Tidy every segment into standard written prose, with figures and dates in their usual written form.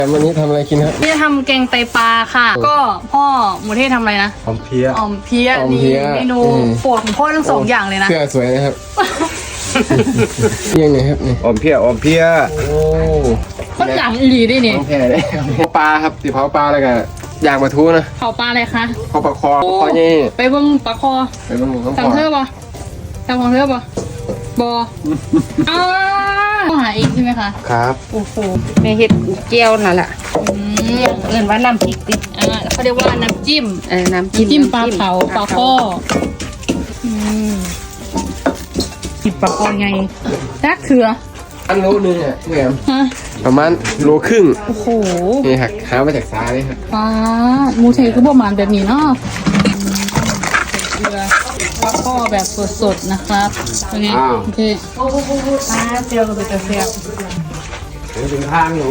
วันนี้ทำอะไรกินครับนี่จะทำแกงไตปลาค่ะก็พ่อหมูเทศทำอะไรนะหอมเพี้ยอ่อมเพี้ยนี่เมนูโปรดของพ่อทั้งสองอย่างเลยนะเสื้อสวยนะครับยังไงครับนี่หอมเพี้ยหอมเพี้ยโอ้ก็หลังอีหลีด้วยนี่ต้องแพ้เลยเผาปลาครับตีเผาปลาแล้วก็ย่างปลาทูนะเผาปลาอะไรคะเผาปลาคอคอนี่ไปเบิ่งปลาคอไปบ้างต้องสั่งเธอปะสั่งของเธอปะบออ้าวหาเองใช่ไหมคะครับโอ้โหแม่เฮ็ดแก้วนั่นแหละเอิ้นว่าน้ำพริกติเขาเรียกว่าน้ำจิ้มน้ำจิ้มจิ้มปลาเผาปลาข้อจิบปลาคอไงรักเถื่ออันโลนึงอ่ะแหมฮะประมาณโลครึ่งโอ้โหนี่หักหามาจากซาเลยครับปลาหมูเทคือประมาณแบบนี้เนาะเกลือปลาข้อแบบสดๆนะครับโอเคโอเคปลาเจียวกับเตเซียวเป็นทางอยู่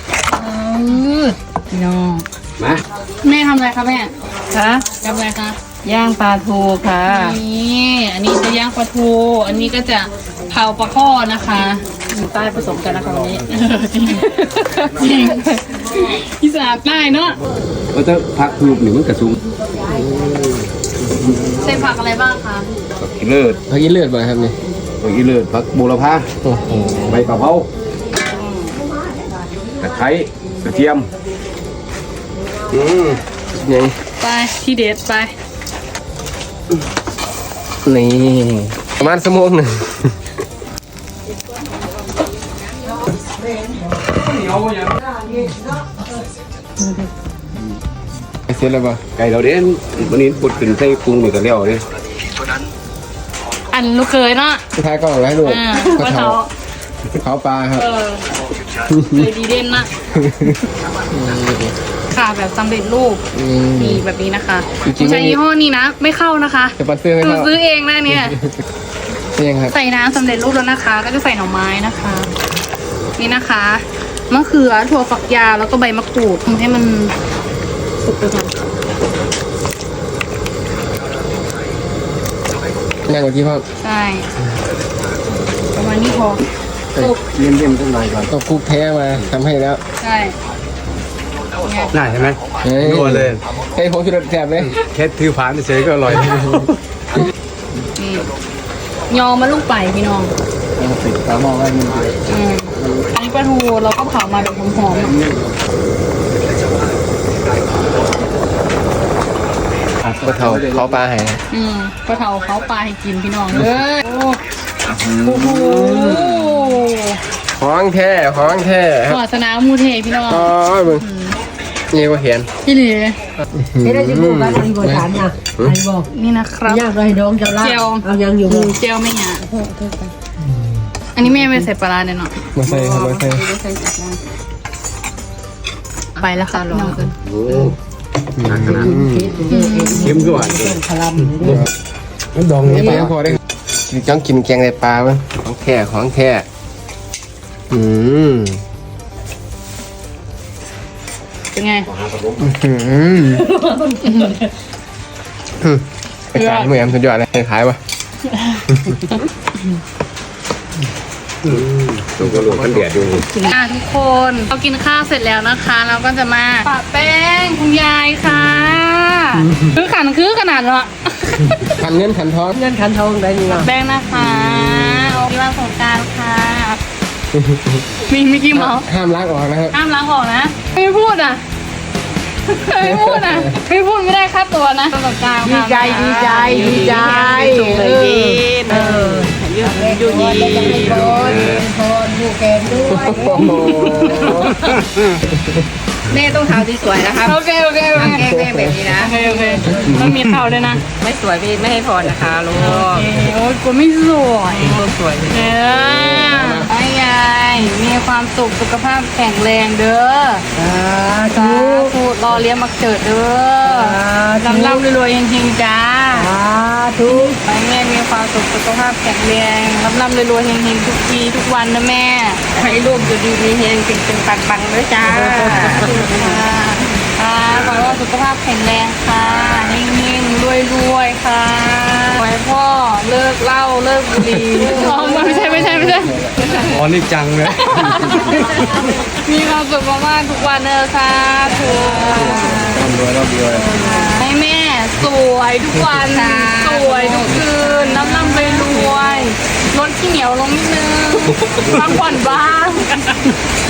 พี่น้องมาแม่ทำอะไรคะแม่คะทำอะไรคะย่างปลาทูค่ะนี่อันนี้จะย่างปลาทูอันนี้ก็จะเผาปลาข้อนะคะใต้ผสมกันนะคะวันนี้จริงอีสานใต้เนาะก็จะพักลูกหนึ่งมันกระซุงใส่ผักอะไรบ้างคะผักอีเลิศพักกินเลือดบ่ครับนี่ผักอีเลิศผักบูรพาโอ้โหใบกะเพราตะไคร้กระเทียมยังไปที่เด็ดไปนี่ประมาณชั่วโมงหนึ่งเสร็จแล้วป่ะไก่เราเด่นวันนี้ปุดขึ้นใส่ปรุงนี่ก็แล้วเด้อันลูกเคยเนาะสุดท้ายก็ให้ดูก็เขาเขาปลาครับเลยดีเด่นนะค่ะแบบสำเร็จรูปนี่แบบนี้นะคะใช้ยี่ห้อนี้นะไม่เข้านะคะจะปัดเสื้อไม่คือเข้าซื้อเองนะเนี่ยนี่ยังครับใส่น้ำสำเร็จรูปแล้วนะคะ ก็จะใส่หน่อไม้นะคะ นี่นะคะมะเขือถั่วฝักยาวแล้วก็ใบมะกรูดทำให้มันสุกไปก่อนย่างกว่าที่พ่อใช่ประมาณนี้พอสุกเลี่ยมๆสักหน่อยก่อนต้องคุกแท้มาทำให้แล้วใช่เนี่ยได้ใช่ไหมนัวเลยเฮ้ยผมชุดแสบเลยแค่ถือผ่านเฉยๆก็อร่อยนี่ยอมาลูกไปพี่น้องติดตามองไว้มันอันนี้ปลาทูเราก็เผามาแบบหอมๆก็เท่าเขาปลาให้ปลาเผาเขาปลาให้กินพี่น้องเลยโอ้โหของแท้ของแท้ครับวาสนามูเทพี่น้องอ๋อมึงนี่ก็เห็นพี่หลีไม่ได้ที่พูดกันที่บริษัทนะไอ้บอกนี่นะครับยากเลยดองเจ้าล่าเจียวเอายังอยู่เจลไม่หยาอันนี้แม่ไม่ใส่ปลาร้าเนี่ยเนาะมาใส่ครับมาใส่ไปแล้วค่ะพี่น้องโอ้หนักขนาดเค็มก็หวานพลัมมันดองนี่ปลาพอได้จ้องกินแกงในปลามั้งของแท้ของแท้เป็นไงไปขายเหมือนสุดยอดเลยขายป่ะตัวกระโหลกมันแดดอยู่ทุกคนเรากินข้าวเสร็จแล้วนะคะเราก็จะมาปะแป้งคุณยายค่ะคือขันคือขนาดเนาะขันเงินขันทองเงินขันทองได้นี่ว่าแป้งนะคะโอ้ยวันสงกรานต์ค่ะมีมิกกี้เมาส์ห้ามล้างออกนะครับห้ามล้างออกนะไม่พูดอ่ะไม่พูดอ่ะไม่พูดไม่ได้ค่าตัวนะวันสงกรานต์ดีค่ะใจดีใจดีใจยืดยืดยีพรผู้แกนด้วยโอ้โหแม่ต้องทำที่สวยนะครับโอเคโอเคโอเคแก้แม่แบบนี้นะโอเคโอเคต้องมีเท่าด้วยนะไม่สวยไม่ให้พรนะคะลูกโอ้ยกูไม่สวยลูกสวยไอ้ยายมีความสุขสุขภาพแข็งแรงเด้อ สาธุรอเลี้ยงมาเกิดเด้อร่ำรวยๆจริงๆจ้าทุกไปแม่มีความสุขสุขภาพแข็งแรงร่ำรวยๆเฮงๆทุกทีทุกวันนะแม่ให้ลูกอยู่ดีมีเฮงเป็นปังๆด้วยจ้าขอให้ว่าสุขภาพแข็งแรงค่ะเฮงๆรวยๆค่ะขอให้พ่อเลิกเหล้าเลิกบุหรี่ไม่ใช่อ๋อนี่จังเลยมีความสุขมากๆทุกวันเลยค่ะถูกร่ำรวยให้แม่สวยทุกวันสวยทุกคืนร่ำไปรวยลดขี้เหนียวลงนิดนึงพักผ่อนบ้าง